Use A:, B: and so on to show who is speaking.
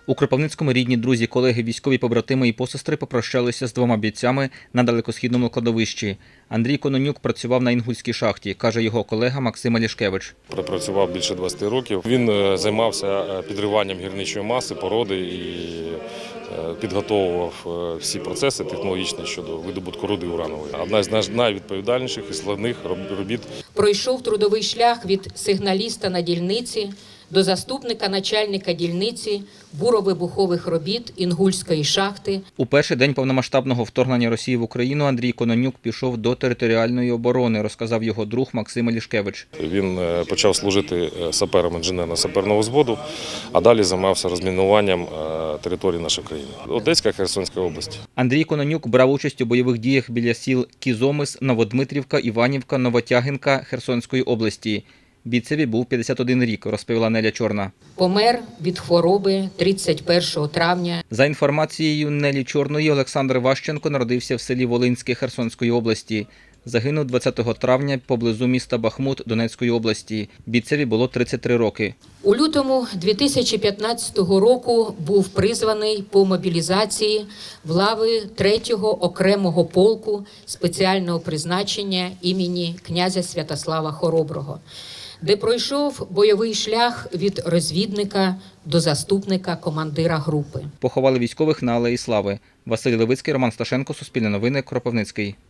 A: У Кропивницькому рідні, друзі, колеги, військові побратими і посестри попрощалися з двома бійцями на далекосхідному кладовищі. Андрій Кононюк працював на Інгульській шахті, каже його колега Максим Алішкевич.
B: Пропрацював більше 20 років. Він займався підриванням гірничої маси, породи і підготовував всі процеси технологічні щодо видобутку руди уранової. Одна з найвідповідальніших і складних робіт.
C: Пройшов трудовий шлях від сигналіста на дільниці до заступника начальника дільниці буровибухових робіт Інгульської шахти.
A: У перший день повномасштабного вторгнення Росії в Україну Андрій Кононюк пішов до територіальної оборони, розказав його друг Максим Алішкевич.
B: Він почав служити сапером інженерно-саперного взводу, а далі займався розмінуванням території нашої країни. Одеська, Херсонська область.
A: Андрій Кононюк брав участь у бойових діях біля сіл Кізомис, Новодмитрівка, Іванівка, Новотягинка Херсонської області. Бійцеві був 51 рік, розповіла Неля Чорна.
C: Помер від хвороби 31 травня.
A: За інформацією Нелі Чорної, Олександр Ващенко народився в селі Волинське Херсонської області. Загинув 20 травня поблизу міста Бахмут Донецької області. Бійцеві було 33 роки.
C: У лютому 2015 року був призваний по мобілізації в лави 3-го окремого полку спеціального призначення імені князя Святослава Хороброго, де пройшов бойовий шлях від розвідника до заступника командира групи.
A: Поховали військових на Алеї Слави. Василь Левицький, Роман Сташенко, Суспільне новини, Кропивницький.